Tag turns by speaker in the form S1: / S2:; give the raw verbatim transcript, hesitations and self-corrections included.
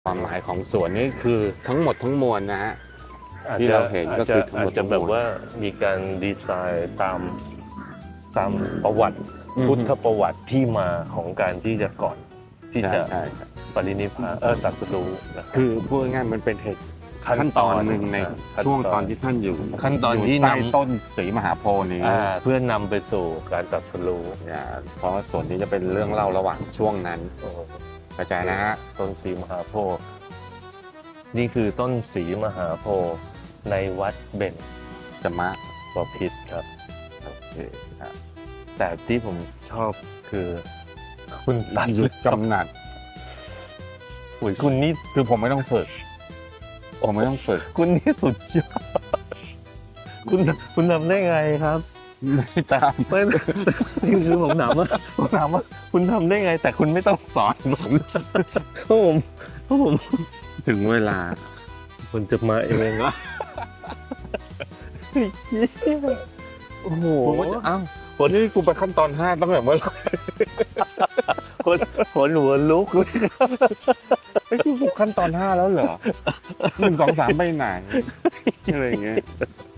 S1: ความหมายของสวนนี่คือทั้งหมดทั้งมวลนะฮะ
S2: อาจ
S1: ที่
S2: จะ
S1: เราเห็น
S2: อาจ
S1: ก็
S2: จะ
S1: คือทั้ง
S2: อา
S1: หม
S2: จ
S1: ด
S2: จะ
S1: ทั้งมวล
S2: แบบว่ามีการดีไซน์ตามตามประวัติ
S1: อืม
S2: พุทธประวัติที่มาของการที่จะก่อนที่
S1: ใช่
S2: จะ
S1: ใช่ใช่
S2: ปรินิพพานเออตรัสรู้นะครับ
S1: คือพูดง่ายๆมันเป็นเหตุขั้นตอนหนึ่งใน
S2: ขั้นตอน
S1: ช่วงตอนที่ท่านอยู่
S2: ขั้นตอน
S1: ยู่
S2: ที่
S1: ใต้
S2: นำ
S1: ต้นสีมหาโพธิ์นี้
S2: อ่าเพื่อนำไปสู่การตรัสรู้
S1: เนี่ยเพราะว่าส่วนนี้จะเป็นเรื่องเล่าระหว่างช่วงนั้น
S2: โอ้โห
S1: เข้าใจนะฮะ
S2: ต้นสีมหาโพธิ์นี่คือต้นสีมหาโพธิ์ในวัดเบญ
S1: จะมา
S2: บพิตรครับ
S1: โอเคครับ
S2: แต่ที่ผมชอบคือคุณตัด
S1: หยุดกำหนัด
S2: อุยคุณนี่
S1: คือผมไม่ต้องฝึกผมไม่ต้องฝึก
S2: คุณนี่สุดยอดคุณคุณทำได้ไงครับ
S1: ไม่ตาม
S2: ไม่นี่คือผมถามว่าผมถามว่า คุณทำได้ไง แต่คุณไม่ต้องสอนผมเพราะผมเพราะผม
S1: ถึงเวลา
S2: คุณจะมาเองวะ
S1: โอ้โห
S2: ผมก็จะอ้าว
S1: วันนี้กูไปขั้นตอนห้าตั้งแต่เมื่อไหร่
S2: คนขนหัวลุก
S1: ไอ้ยกูขั้นตอนห้าแล้วเหรอหนึ่งสองสามไปไหนอะไรอย่างเงี้ย